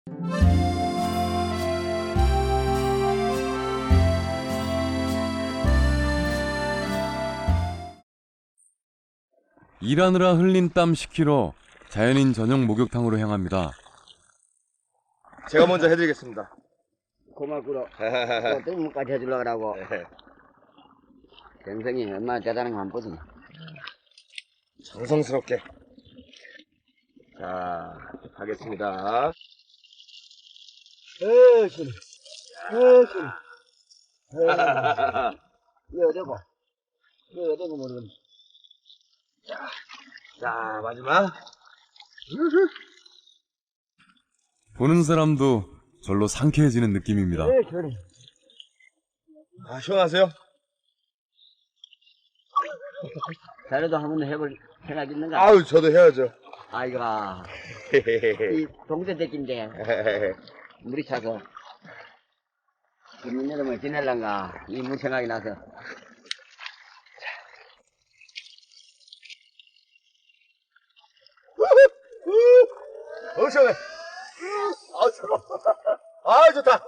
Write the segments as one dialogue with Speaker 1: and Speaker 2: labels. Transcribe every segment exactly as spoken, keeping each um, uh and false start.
Speaker 1: 일하느라 흘린 땀 십 킬로그램, 자연인 저녁 목욕탕으로 향합니다.
Speaker 2: 제가 먼저 해드리겠습니다.
Speaker 3: 고맙구로. 또 뜨문까지 해주려고 하고. 경성이 얼마나 대단한 거 한번 보지.
Speaker 2: 정성스럽게. 자, 하겠습니다.
Speaker 3: 에, 시원해. 에, 시원해. 이거 어디고? 이거 어디고 모르겠네.
Speaker 2: 자, 자, 마지막.
Speaker 1: 보는 사람도 절로 상쾌해지는 느낌입니다.
Speaker 3: 에, 시원해.
Speaker 2: 아, 시원하세요?
Speaker 3: 자료도 한 번 해볼 생각 있는가?
Speaker 2: 아유, 저도 해야죠.
Speaker 3: 아이가. 이 동생 새끼인데, 물이 차서, 있는 여름을 지낼란가, 이 물 생각이 나서.
Speaker 2: 어, 시원해. 아, 좋아. 아, 좋다.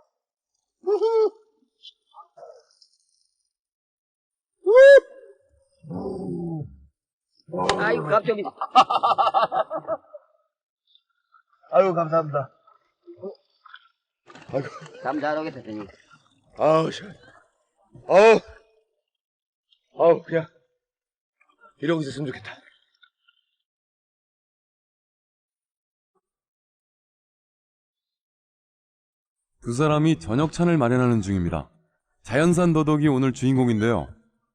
Speaker 3: 아이고, 갑자기.
Speaker 2: 아유, 감사합니다. 아이고.
Speaker 3: 잠 잘 오겠다, 선생님.
Speaker 2: 아우, 시원해. 아우. 아우, 그냥. 이러고 있었으면 좋겠다.
Speaker 1: 두 사람이 저녁찬을 마련하는 중입니다. 자연산 더덕이 오늘 주인공인데요.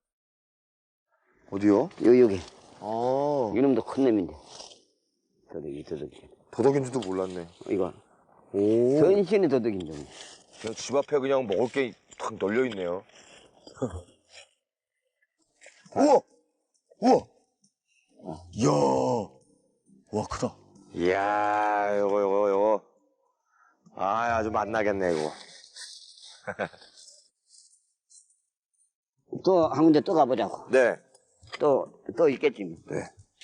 Speaker 2: 어디요?
Speaker 3: 여기, 여기.
Speaker 2: 아,
Speaker 3: 이놈도 큰 놈인데. 더덕이, 더덕이.
Speaker 2: 도덕인 줄도 몰랐네.
Speaker 3: 이거.
Speaker 2: 오.
Speaker 3: 전신의 더덕인 줄.
Speaker 2: 그냥 집 앞에 그냥 먹을 게 탁 널려 있네요. 우와! 우와! 이야! 와, 크다. 이야, 요거, 요거, 요거. 아, 아주 맛나겠네, 이거.
Speaker 3: 또, 한 군데 또 가보자고.
Speaker 2: 네.
Speaker 3: 또, 또 있겠지. 뭐.
Speaker 2: 네.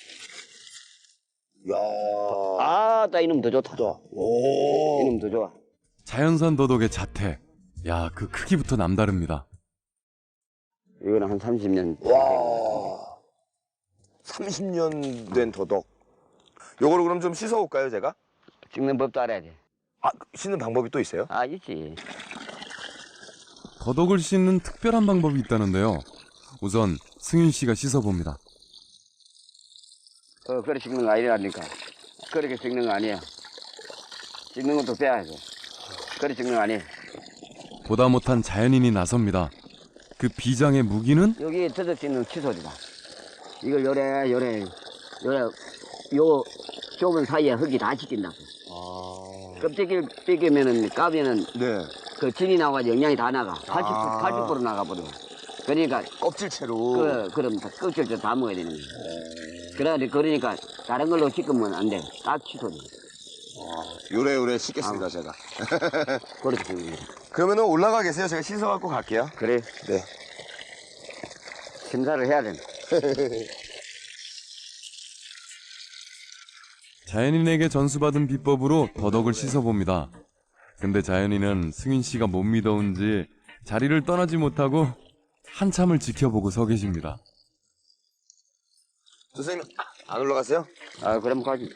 Speaker 2: 이야.
Speaker 3: 아, 나 이놈 더 좋다.
Speaker 2: 오.
Speaker 3: 이놈 더 좋아.
Speaker 1: 자연산 더덕의 자태. 야, 그 크기부터 남다릅니다.
Speaker 3: 이거는 한 삼십 년.
Speaker 2: 와. 삼십 년 된 도덕. 요거를 그럼 좀 씻어올까요, 제가?
Speaker 3: 찍는 법도 알아야 돼.
Speaker 2: 아, 씻는 방법이 또 있어요?
Speaker 3: 아, 있지.
Speaker 1: 더덕을 씻는 특별한 방법이 있다는데요. 우선 승윤 씨가 씻어봅니다.
Speaker 3: 어, 그래 찍는 거 아니라니까. 그렇게 찍는 거 아니야. 찍는 것도 빼야 돼. 그래 찍는 거 아니야.
Speaker 1: 보다 못한 자연인이 나섭니다. 그 비장의 무기는
Speaker 3: 여기 더덕 찍는 칫솔이다. 이걸 요래, 요래, 요래, 요 좁은 사이에 흙이 다 씻긴다고.
Speaker 2: 아.
Speaker 3: 껍데기를 뺏기면은, 까면은
Speaker 2: 네.
Speaker 3: 그 진이 나와가지고 영양이 다 나가. 팔십 퍼센트,
Speaker 2: 아.
Speaker 3: 팔십 퍼센트 나가버려. 그러니까,
Speaker 2: 껍질채로.
Speaker 3: 그, 그럼 다 껍질도 다 먹어야 되는 거야. 그래, 그러니까 다른 걸로 씻으면 안 돼. 딱 칫솔이.
Speaker 2: 요래요래 씻겠습니다,
Speaker 3: 아.
Speaker 2: 제가.
Speaker 3: 그렇게 찍는 거야.
Speaker 2: 그러면은 올라가 계세요. 제가 씻어갖고 갈게요.
Speaker 3: 그래,
Speaker 2: 네.
Speaker 3: 심사를 해야 된다.
Speaker 1: 자연인에게 전수받은 비법으로 더덕을 씻어봅니다. 근데 자연인은 승윤 씨가 못 믿어온지 자리를 떠나지 못하고 한참을 지켜보고 서 계십니다.
Speaker 2: 선생님, 안 올라가세요?
Speaker 3: 아, 그럼 가지.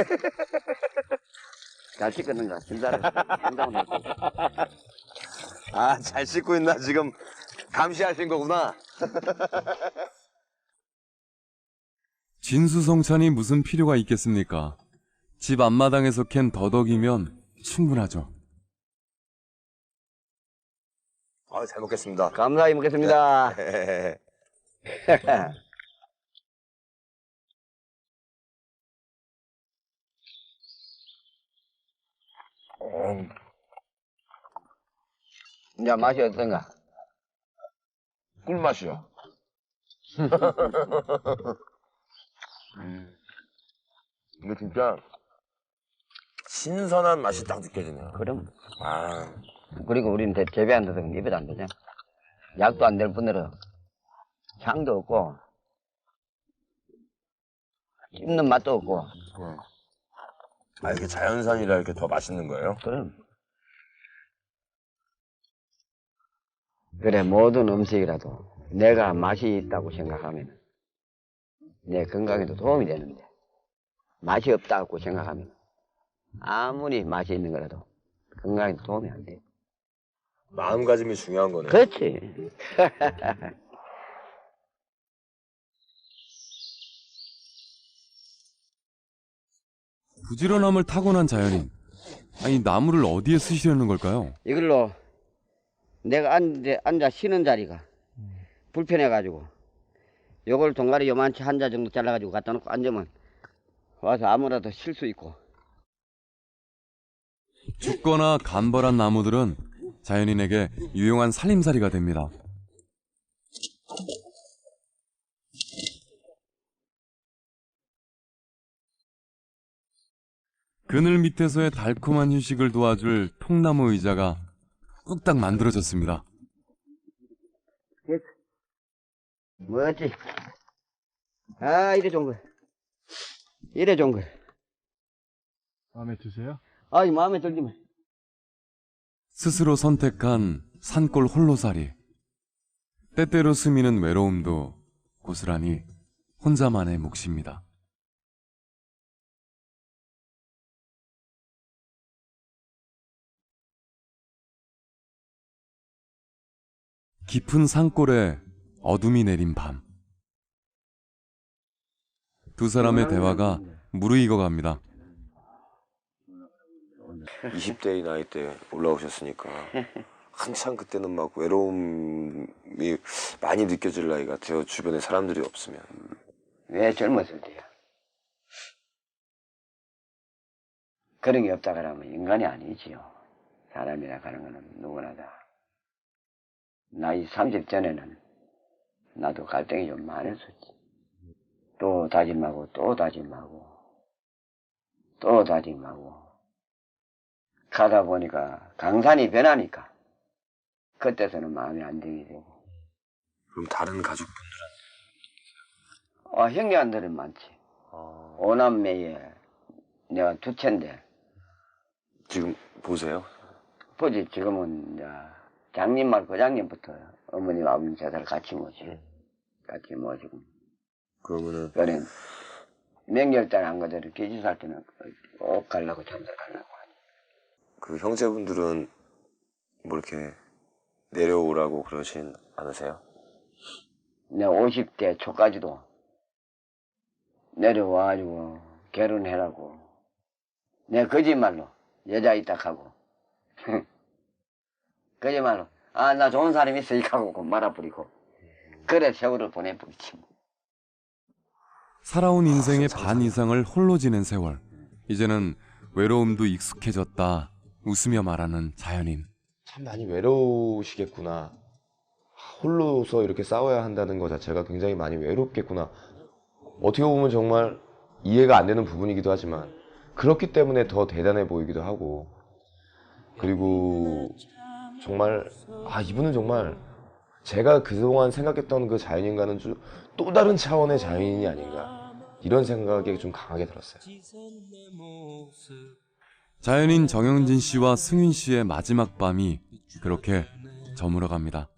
Speaker 3: 잘 씻겠는가? 심사를. 심사를 해.
Speaker 2: 아, 잘 씻고 있나? 지금 감시하신 거구나.
Speaker 1: 진수성찬이 무슨 필요가 있겠습니까? 집 앞마당에서 캔 더덕이면 충분하죠.
Speaker 2: 아, 잘 먹겠습니다.
Speaker 3: 감사히 먹겠습니다.
Speaker 2: 음.
Speaker 3: 이제 맛이 어떤가?
Speaker 2: 꿀맛이요.
Speaker 3: 음.
Speaker 2: 이게 진짜 신선한 맛이 딱 느껴지네요.
Speaker 3: 그럼.
Speaker 2: 아,
Speaker 3: 그리고 우리는 대- 재배 안 되든 입에도 안 되잖아. 약도 안 될 뿐더러 향도 없고 씹는 맛도 없고
Speaker 2: 아, 이게 자연산이라 이렇게 더 맛있는 거예요?
Speaker 3: 그럼. 그래, 모든 음식이라도 내가 맛이 있다고 생각하면 내 건강에도 도움이 되는데, 맛이 없다고 생각하면 아무리 맛이 있는 거라도 건강에도 도움이 안 돼.
Speaker 2: 마음가짐이 중요한 거네.
Speaker 3: 그렇지.
Speaker 1: 부지런함을 타고난 자연인. 아니, 나무를 어디에 쓰시려는 걸까요?
Speaker 3: 이걸로 내가 앉아, 앉아 쉬는 자리가 불편해가지고 요걸 동가리 요만치 한 자 정도 잘라가지고 갖다 놓고 앉으면 와서 아무라도 쉴 수 있고.
Speaker 1: 죽거나 간벌한 나무들은 자연인에게 유용한 살림살이가 됩니다. 그늘 밑에서의 달콤한 휴식을 도와줄 통나무 의자가 뚝딱 만들어졌습니다.
Speaker 3: 뭐였지? 아, 이래 좋은 거. 이래 좋은 거.
Speaker 4: 마음에 드세요?
Speaker 3: 아이, 마음에 들지만.
Speaker 1: 스스로 선택한 산골 홀로살이. 때때로 스미는 외로움도 고스란히 혼자만의 몫입니다. 깊은 산골에 어둠이 내린 밤. 두 사람의 대화가 무르익어 갑니다.
Speaker 2: 이십 대의 나이 때 올라오셨으니까 한창 그때는 막 외로움이 많이 느껴질 나이 같아요. 주변에 사람들이 없으면.
Speaker 3: 왜 젊었을 때야? 그런 게 없다 그러면 인간이 아니지요. 사람이라 하는 거는 누구나 다. 나이 삼십 전에는 나도 갈등이 좀 많았었지. 또 다짐하고 또 다짐하고 또 다짐하고 가다 보니까 강산이 변하니까 그때서는 마음이 안정이 되고.
Speaker 2: 그럼 다른 가족분들은?
Speaker 3: 어, 형제한들은 많지.
Speaker 2: 아...
Speaker 3: 오남매에 내가 두 채인데.
Speaker 2: 지금 보세요?
Speaker 3: 보지. 지금은 이제 장님 말 거장님부터 어머님 아버님 제사를 같이 모시고 같이 모시고.
Speaker 2: 그러면은
Speaker 3: 그래 명절달 한 거대로 계집살 때는 꼭 가려고 참석하려고 하니.
Speaker 2: 그 형제분들은 뭐 이렇게 내려오라고 그러진 않으세요?
Speaker 3: 내가 오십 대 초까지도 내려와가지고 결혼해라고. 내가 거짓말로 여자 있다 하고 거짓말로 아 나 좋은 사람 있어 이하고 말아버리고 그래 세월을 보내버리지.
Speaker 1: 살아온 인생의 반 이상을 홀로 지낸 세월. 이제는 외로움도 익숙해졌다 웃으며 말하는 자연인.
Speaker 5: 참 많이 외로우시겠구나. 홀로서 이렇게 싸워야 한다는 것 자체가 굉장히 많이 외롭겠구나. 어떻게 보면 정말 이해가 안 되는 부분이기도 하지만 그렇기 때문에 더 대단해 보이기도 하고, 그리고 정말 아 이분은 정말 제가 그동안 생각했던 그 자연인과는 좀 또 다른 차원의 자연인이 아닌가, 이런 생각이 좀 강하게 들었어요.
Speaker 1: 자연인 정영진 씨와 승윤 씨의 마지막 밤이 그렇게 저물어갑니다.